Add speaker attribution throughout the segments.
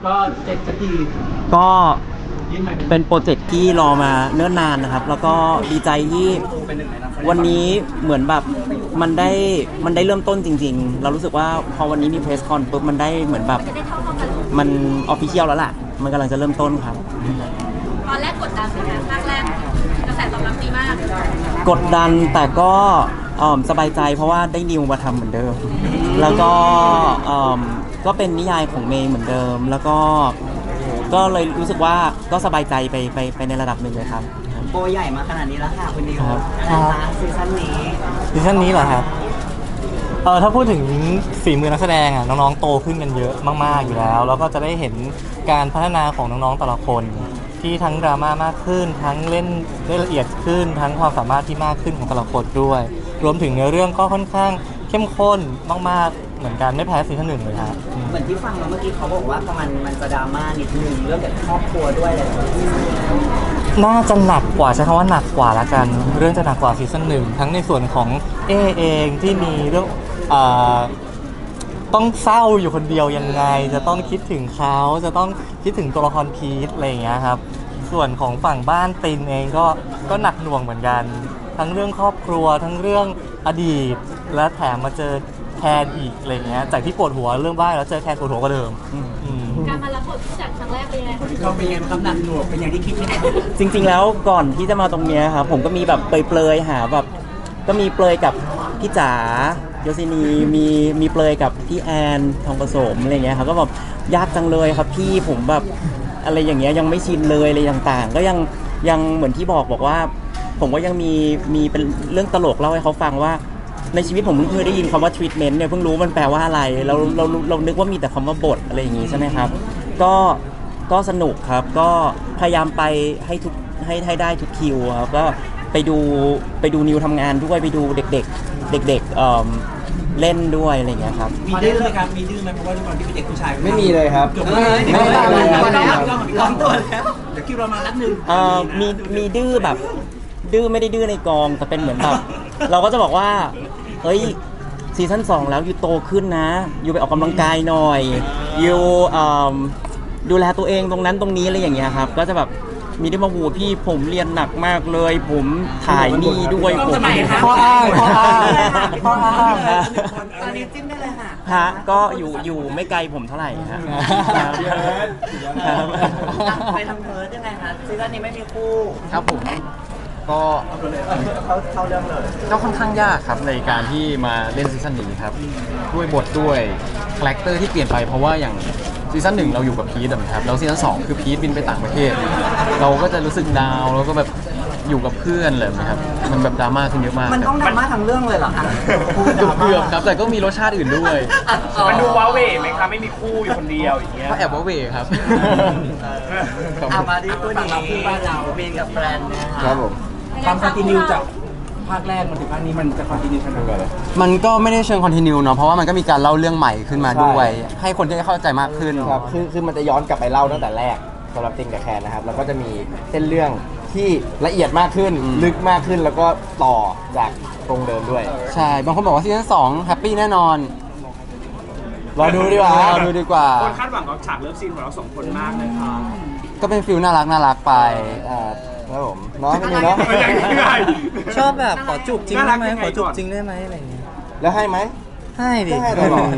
Speaker 1: ก็เสร็จสักที
Speaker 2: ก็เป็นโปรเจกต์ที่รอมาเนิ่นนานนะครับแล้วก็ดีใจที่วันนี้เหมือนแบบมันได้เริ่มต้นจริงๆเรารู้สึกว่าพอวันนี้มีเพรสคอนปุ๊บมันได้เหมือนแบบมันออฟฟิเชียลแล้วล่ะมันกำลังจะเริ่มต้นครับ
Speaker 3: ตอนแรกกดดันเลยนะภาคแรกกระแสตอบรับดีมาก
Speaker 2: กดดันแต่ก็สบายใจเพราะว่าได้นิวมาทำเหมือนเดิมแล้วก็เป็นนิยายของเมย์เหมือนเดิมแล้วก็เลยรู้สึกว่าก็สบายใจไปในระดับหนึ่งเลยครับ
Speaker 1: โบใหญ่มาขนาดนี้แล้วค่ะคุณนิว
Speaker 2: ครับ
Speaker 1: ซีซั่นนี้
Speaker 4: เหรอครับถ้าพูดถึงฝีมือนักแสดงอ่ะน้องๆโตขึ้นกันเยอะมากๆอยู่แล้วก็จะได้เห็นการพัฒนาของน้องๆแต่ละคนที่ทั้งดราม่ามากขึ้นทั้งเล่นได้ละเอียดขึ้นทั้งความสามารถที่มากขึ้นของแต่ละคนด้วยรวมถึงเนื้อเรื่องก็ค่อนข้างเข้มข้นมากๆเหมือนกันไม่แพ้ซีซั่น 1เลยครับ
Speaker 1: เหมือนที่ฟังมาเมื่อกี้เขาบอกว่ามันจะดราม่านิดนึงเรื่องเกี่ยวกับครอบครัวด้วยอะไรแบบนี้
Speaker 4: น่าจะหนักกว่าใช้คำว่าหนักกว่าละกันเรื่องจะหนักกว่าซีซั่น 1ทั้งในส่วนของเองที่มีเรื่องต้องเศร้าอยู่คนเดียวยังไงจะต้องคิดถึงเขาจะต้องคิดถึงตัวละครพีทอะไรอย่างเงี้ยครับส่วนของฝั่งบ้านตินเองก็หนักหน่วงเหมือนกันทั้งเรื่องครอบครัวทั้งเรื่องอดีตและแถมมาเจอแทนอีกอะไรเงี้ยจากที่ปวดหัวเรื่องบ้านแล้วเจอแทนปวดหัวกว่าเดิม
Speaker 3: การมารับบทจากครั้งแรกเป็นยังไง
Speaker 1: เราเป็นยังไงครับหนักหน่วงเป็นอย่างที่คิดไหม
Speaker 2: จริงๆแล้วก่อนที่จะมาตรงนี้ครับผมก็มีแบบเปลยๆหาแบบก็มีเปลยกับพี่จ๋าโยซินีมีเปลยกับพี่แอนทองผสมอะไรเงี้ยครับก็แบบยากจังเลยครับพี่ผมแบบอะไรอย่างเงี้ยยังไม่ชินเลยอะไรต่างๆก็ยังเหมือนที่บอกว่าผมก็ยังมีเป็นเรื่องตลกเล่าให้เขาฟังว่าในชีวิตผมเพิ่งเคยได้ยินคำว่า treatment เนี่ยเพิ่งรู้มันแปลว่าอะไรเรานึกว่ามีแต่คำว่าบทอะไรอย่างงี้ใช่ไหมครับก็สนุกครับก็พยายามไปให้ได้ทุกคิวครับก็ไปดูนิวทำงานด้วยไปดูเด็กเล่นด้วยอะไรอย่างเงี้ยครับ
Speaker 1: มีดื้อไหมครับมีดื้อไหมเพราะว่าด้วยความที่เป็นเด็กผู้ชาย
Speaker 5: ไม่มีเลยครับ
Speaker 1: ไม่ได้เลยร้องตัวแล้วเดี๋ยวคิวเรามานัดหนึ่ง
Speaker 2: มีดื้อแบบดื้อไม่ได้ดื้อในกองแต่เป็นเหมือนแบบเราก็จะบอกว่าเฮ้ยซีซั่น2แล้วยูโตขึ้นนะยูไปออกกำลังกายหน่อยยูดูแลตัวเองตรงนั้นตรงนี้อะไรอย่างเงี้ยครับก็จะแบบมีได้มาหูพี่ผมเรียนหนักมากเลยผมถ่ายนี่ด้วยผม
Speaker 4: ข้ออ้าง
Speaker 1: ตอนนี้จิ้มได้เลยค่ะ
Speaker 2: ฮะก็อยู่ไม่ไกลผมเท่าไหร่ฮะ
Speaker 1: ไปทำเพิร์ดยังไงคะซีซั่นนี้ไม่มีคู่
Speaker 5: ครับผมก็
Speaker 1: เขาเรื่องเลย
Speaker 5: ก็ค่อนข้างยากครับในการที่มาเล่นซีซั่นนี้ครับด้วยบทด้วยคาแรคเตอร์ที่เปลี่ยนไปเพราะว่าอย่างซีซั่น1เราอยู่กับพีทครับแล้วซีซั่น2คือพีทบินไปต่างประเทศเราก็จะรู้สึกดาวแล้วก็แบบอยู่กับเพื่อนเลยนะครับมันแบบดราม่าขึ้นเยอะมาก
Speaker 1: มันต้องดราม่าทั้งเรื่องเลยเหรอคะ
Speaker 5: เกือบครับแต่ก็มีรสชาติอื่นด้วย
Speaker 6: มันดูว้าเวไหมครับไม่มีคู่อยู่คนเดียวอย่างเงี้ย
Speaker 5: ก็แอบว้าเวครับ
Speaker 1: มาที่ตัวนี้คู่บ้านเราเมนกับแฟน
Speaker 5: ครับผม
Speaker 1: ความคอนติเนียจากภาคแรกมาถึงภาคนี้มันจะคอนติเนียขนาดไหน
Speaker 5: มันก็ไม่ได้เชิงคอนติเนียเนาะเพราะว่ามันก็มีการเล่าเรื่องใหม่ขึ้นมาด้วยให้คนได้เข้าใจมากขึ้น
Speaker 7: ครับคือมันจะย้อนกลับไปเล่าตั้งแต่แรกสำหรับติงกับแคนนะครับแล้วก็จะมีเส้นเรื่องที่ละเอียดมากขึ้นลึกมากขึ้นแล้วก็ต่อจากตรงเดิมด้วย
Speaker 5: ใช่บางคนบอกว่าซีซั่น2แฮปปี้แน่นอน
Speaker 7: รอดูดีกว่า
Speaker 6: คนคาดหวังกับฉากเลิฟซีนของเรา2คนมากเลยครับ
Speaker 5: ก็เป็นฟิลน่ารักไป
Speaker 7: ครับผมเนาะไม่มีเนาะ
Speaker 4: ชอบแบบขอจูบจริงได้ไหมขอจูบจริงได้ไหมอะไรอย่างเงี้ย
Speaker 7: แล้วให้ไหม
Speaker 4: ให้ดิ
Speaker 7: ให้ตลอด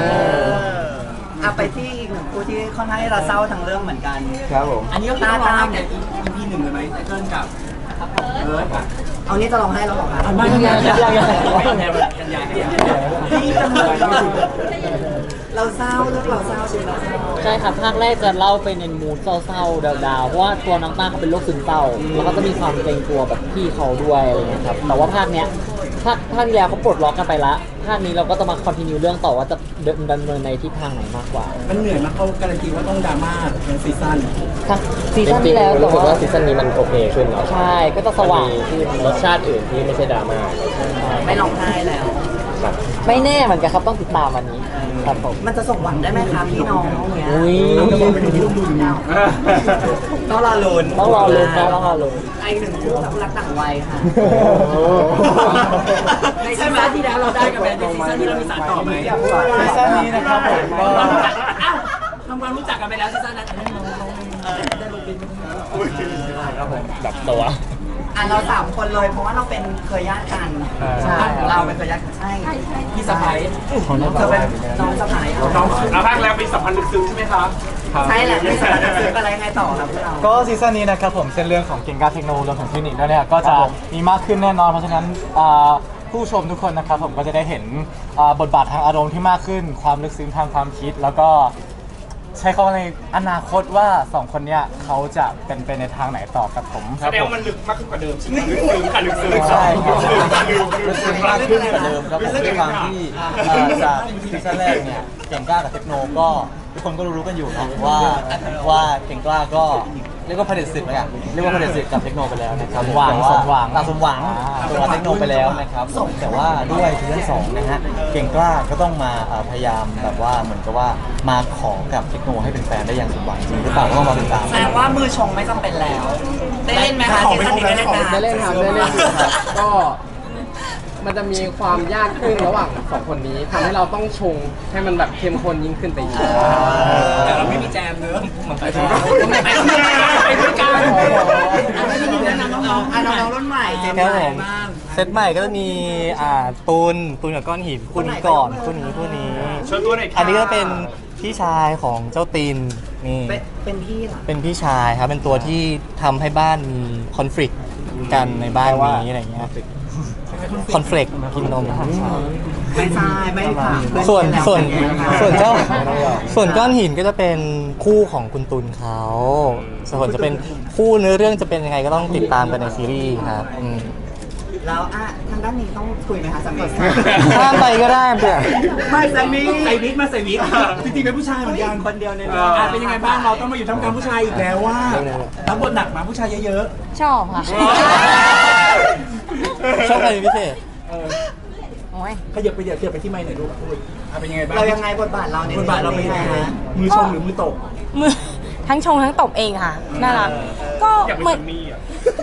Speaker 1: ไปที่อีกหนึ่งคู่ที่ค่อนข้างที่จะเศร้าทั้งเรื่องเหมือนกัน
Speaker 7: ครับผม
Speaker 1: อันนี้ก็ตามเนี่ย EP 1เลยไหมไตเติ้ลกับเอานี้จะลองให้เราบอกนะไม่ยังเราเศร้าเรื่องเราเศร้าใช่ไหม
Speaker 2: ใช่ครับภาคแรกจะเล่าไปในมูดเศร้าๆดาวๆเพราะว่าตัวน้องต้าเขาเป็นโรคซึมเศร้าแล้วก็จะมีความเกรงกลัวแบบพี่เขาด้วยอะไรเงี้ยครับแต่ว่าภาคเนี้ยภาคที่แล้วเขาปลดล็อกกันไปละภาคนี้เราก็ต้องมาคอนติเนียเรื่องต่อว่าจะดำเนินในทิศทางไหนมากกว่า
Speaker 1: มันเหนื่อยมากเขาการันตีว่าต้องดราม่าในซีซั่น
Speaker 2: ที่แล้วแต่ว่า
Speaker 5: ซีซั่นนี้มันโอเคขึ้นเนาะ
Speaker 2: ใช่ก็จะสว่างขึ้น
Speaker 5: รสชาติอื่นที่ไม่ใช่ดราม่า
Speaker 1: ไม่ร้องไห้แล้ว
Speaker 2: ไม่แน่เหมือนกันครับต้องติดตามวันนี้ครับผม
Speaker 1: มันจะส่งหวังได้ไหมครับพี่น้องเนี้ยต้องรอลุ้น
Speaker 2: นะต้องรอลุ้น
Speaker 1: ไอหนึ่งคู่กับรักต่างวัยค่ะในซีซั่นที่แล้วเราได้กันไปในซีซั่นที่เรามีสารต่อไหม
Speaker 4: ซีซั่นนี้นะครับผมก็
Speaker 6: ทำความรู้จักกันไปแล้วซีซั่นนั้น
Speaker 7: ครับผมแบบตัว
Speaker 1: อ่ะเราสามคนเลยเพราะว่าเราเป็นเคยญาติกัน
Speaker 7: ใช่
Speaker 1: เราเป็นเคยญาติกันใช่
Speaker 6: พี่สะพ้าย
Speaker 1: เธอเป็นน้องสะพ้าย
Speaker 6: น้องเอาภาคแล้วมีสัมพันธ์ลึกซึ้งใช่ไหมครับ
Speaker 1: ใช่แหละไม่ใช่ซื้ออะไรยังไงต่อครับพวกเรา
Speaker 4: ก็ซีซั่นนี้นะครับผมเส้นเรื่องของเก่งกาเทคโนโลยีรวมถึงเทคนิคด้วยเนี่ยก็จะมีมากขึ้นแน่นอนเพราะฉะนั้นผู้ชมทุกคนนะครับผมก็จะได้เห็นบทบาททางอารมณ์ที่มากขึ้นความลึกซึ้งทางความคิด แล้วก็ใช้คำว่าในอนาคตว่าสองคนเนี้ยเขาจะเป็นไปในทางไหนต่อกับผมค
Speaker 6: แส
Speaker 4: รับ
Speaker 6: ดง
Speaker 4: ผม
Speaker 6: ว่ามันลึกมากขึ้นกว่าเดิมใช่ไหมลึกซึ้งค่ะลึกซึ้ง
Speaker 4: ใช่ครับ
Speaker 8: รู้สึกมากขึ้นกว่าเดิมครับผมด้วยความที่จากซีซั่นแรกเนี่ยเก่งกล้ากับเทคโนก็ทุกคนก็รู้กันอยู่นะว่าเก่งกล้าก็เรียกว่าเผด็จศึกแล้วกันเรียกว่าเผด็จศึกกับเทคโนไปแล้วนะครับ
Speaker 4: สมหวัง
Speaker 8: แต่า
Speaker 4: สมหวัง
Speaker 8: สมหวังตัวเทคโนไปแล้วนะครับแต่ว่าด้วยซีซั่น2นะฮะเก่งกล้าก็ต้องมาพยายามแบบว่าเหมือนกับว่ามาขอกับเทคโนให้เป็นแฟนได้อย่างสมหวังจริงหรือเปล่าก็ต้องมาติดตาม
Speaker 1: แสดงว่ามือชงไม่จำเป็นแล้ว ได้เล่นไหมคะซีซั่นนี้ได้เล่นนะ
Speaker 9: ได้เล่นครับได้เล่นอยู่ครับก็มันจะมีความยากขึ้นระหว่างสองคนนี้ทำให้เราต้องชงให้มันแบบเข้มข้นยิ่งขึ้นไปอีก
Speaker 6: แต่เราไม่มีแจมเนอะ
Speaker 9: ไปด้วยกัน
Speaker 1: แนะนำน้องๆน้องๆรุ่นใหม่เจน
Speaker 4: ครับ
Speaker 1: ให
Speaker 4: ผ
Speaker 1: ม่
Speaker 4: ม
Speaker 1: บ้าง
Speaker 4: เซตใหม่ก็จะมีตูนกับก้อนหินคู่นี้ก่อนคู่นี้
Speaker 6: ชวนตัวหน่อยค่ะ
Speaker 4: อันนี้ก็เป็นพี่ชายของเจ้าตีนนี่
Speaker 1: เป็นพี่เหรอ
Speaker 4: เป็นพี่ชายครับเป็นตัวที่ทำให้บ้านมีคอนฟ lict กันในบ้านนี้อะไรเงี้ยคอนฟ lict กินนม
Speaker 1: ไม่ใช่ไม่ค่ะ
Speaker 4: ส่วนก้อนหินก็จะเป็นคู่ของคุณตุลเขาส่วนจะเป็นคู่เนื้อเรื่องจะเป็นยังไงก็ต้องติดตามกันในซีรีส์ครับอืม
Speaker 1: แล้วทางด้านนี้ต้องคุยไหมคะสามี
Speaker 4: ข้ามไปก็ได้เพื่อน
Speaker 1: ไม่สามี
Speaker 6: ใส่วิกมาใส่วิกจริงๆเป็นผู้ชายเหมือนกัน
Speaker 1: คนเดียวใน
Speaker 6: เอ
Speaker 1: เรื่อง
Speaker 6: อเป็นยังไงบ้างเราต้องมาอยู่ท่ามกลางผู้ชายอีกแล้วว่ารับบทหนักมาผู้ชายเยอะ
Speaker 3: ชอบค่ะ
Speaker 4: ชอบใครเป็นพิเศษ
Speaker 3: โอ้ย
Speaker 6: ๆขยับไปที่ไมค์หน่อยลูกพูดเป็นยังไงบ้าง
Speaker 1: เรายังไงบทบาทเราใน
Speaker 6: บทบาทเราเป็นยังไงฮะมือชงหรือมือตก
Speaker 3: มือทั้งชงทั้งตบเองค่ะ น่ารัก ก็
Speaker 6: อยาก
Speaker 3: เหมื
Speaker 6: เป็
Speaker 3: อน
Speaker 6: นมี่อ่ะ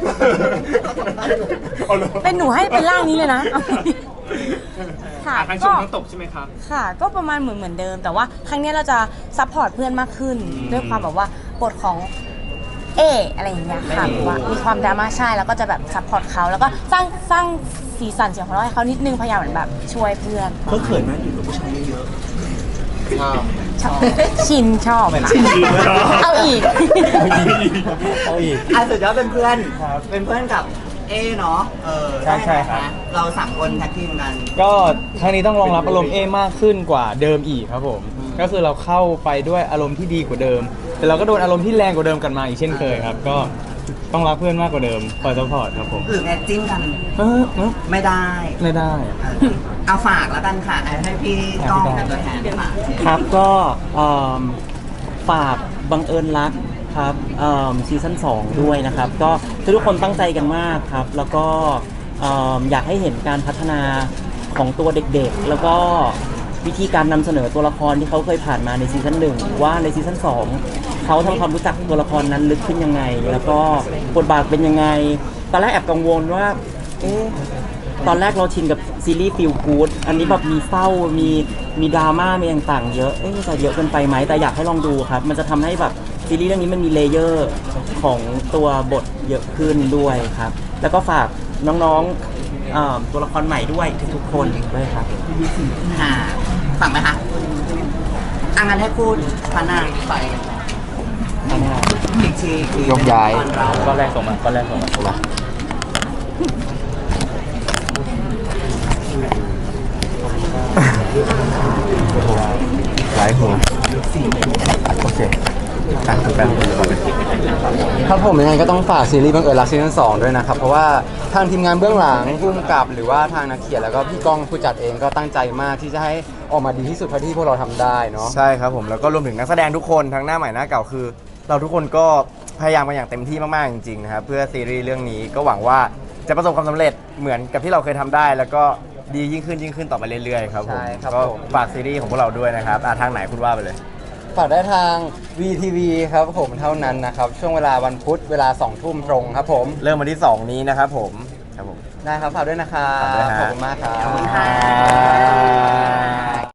Speaker 3: เป็นหนูให้เป็นร่างนี้เลยนะ ค่ะ
Speaker 6: ทั้งช
Speaker 3: ก็
Speaker 6: งทั้งตกใช่ไหมครับ
Speaker 3: ค่ะ ก็ประมาณเหมือนเดิม แต่ว่าครั้งนี้เราจะซัพพอร์ตเพื่อนมากขึ้น ด้วยความแบบว่าบทของอะไรอย่างเงี้ยค่ะแบบว่ามีความดราม่าใช่แล้วก็จะแบบซัพพอร์ตเขาแล้วก็สร้างสีสันเสียงของเราะให้เขานิดนึงพยายามเหมือนแบบช่วยเพื่อน
Speaker 6: เขาเขินไหมอยู่กับผู้ชายเยอะ
Speaker 3: ชอบชินชอบค่ะเอาอีก
Speaker 4: เอาอีก
Speaker 1: สุดยอดเป็นเพื่อนเป็นเพื่อนกับเนาะ
Speaker 4: ใช่ครับ
Speaker 1: ได้ไหมคะเราสามคนแท็กทีมกัน
Speaker 8: ก็ครั้งนี้ต้องรองรับอารมณ์มากขึ้นกว่าเดิมอีกครับผม ก็คือเราเข้าไปด้วยอารมณ์ที่ดีกว่าเดิม แต่เราก็โดนอารมณ์ที่แรงกว่าเดิมกันมาอีกเช่นเคยครับ ก็ต้องรักเพื่อนมากกว่าเดิมคอยซัพพอร์ตครับผม
Speaker 1: หรือแอดจิ้มกัน ไม่ได้
Speaker 8: ไม่ได้
Speaker 1: เอาฝากแล้วกันค่ะให้พี่ก้องเป็นตัวแทนฝาก
Speaker 2: ครับก็ฝากบังเอิญรักครับซีซั่น2ด้วยนะครับก็ทุกคนตั้งใจกันมากครับแล้วก็อยากให้เห็นการพัฒนาของตัวเด็กๆ แล้วก็วิธีการนำเสนอตัวละครที่เขาเคยผ่านมาในซีซั่น1ว่าในซีซั่น2เขาทำความรู้จักตัวละครนั้นลึกขึ้นยังไง แล้วก็บทบาทเป็นยังไงตอนแรกแอบกังวลว่าตอนแรกเราชินกับซีรีส์ฟีลกู๊ดอันนี้แบบมีเศร้ามีดราม่ามีต่างๆเยอะจะเยอะเกินไปไหมแต่อยากให้ลองดูครับมันจะทำให้แบบซีรีส์เรื่องนี้มันมีเลเยอร์ของตัวบทเยอะขึ้นด้วยครับแล้วก็ฝากน้องๆตัวละครใหม่ด้วยทุกๆคนด้วยครับ
Speaker 1: ค่ะฝั่งไหมคะงั้นให้พูดพนางไปอีกที
Speaker 7: ยกย้าย
Speaker 1: ตอนเรา
Speaker 8: ก็แรกส่งมา
Speaker 7: หลายหัวโอเคแป๊บครับผมยังไงก็ต้องฝากซีรีส์บังเอิญรักซีซั่น2ด้วยนะครับ เพราะว่าทางทีมงานเบื้องหลังผู้กำกับหรือว่าทางนักเขียนแล้วก็พี่ก้องผู้จัดเองก็ตั้งใจมากที่จะให้ออกมาดีที่สุดเท่าที่พวกเราทำได้เนาะใช่ครับผมแล้วก็รวมถึงนักแสดงทุกคนทั้งหน้าใหม่หน้าเก่าคือ เราทุกคนก็พยายามกันอย่างเต็มที่มากๆจริงๆนะครับเพื่อซีรีส์เรื่องนี้ก็หวังว่าจะประสบความสำเร็จเหมือนกับที่เราเคยทำได้ แล้วก็ดียิ่งขึ้นต่อไปเรื่อยๆครับผมก็ฝากซีรีส์ของพวกเราด้วยนะครับทางไหนคุณว่าไปเลย ฝากได้ทาง VTV ครับผมเท่านั้นนะครับช่วงเวลาวันพุธเวลา 2 ทุ่มตรงครับผมเริ่มวันที่ 2 นี้นะครับผมได้ครับฝากด้วยนะครับ
Speaker 1: ฝากด้วยฮะ
Speaker 7: ขอบคุณมากครับ
Speaker 1: ขอบคุณค่ะ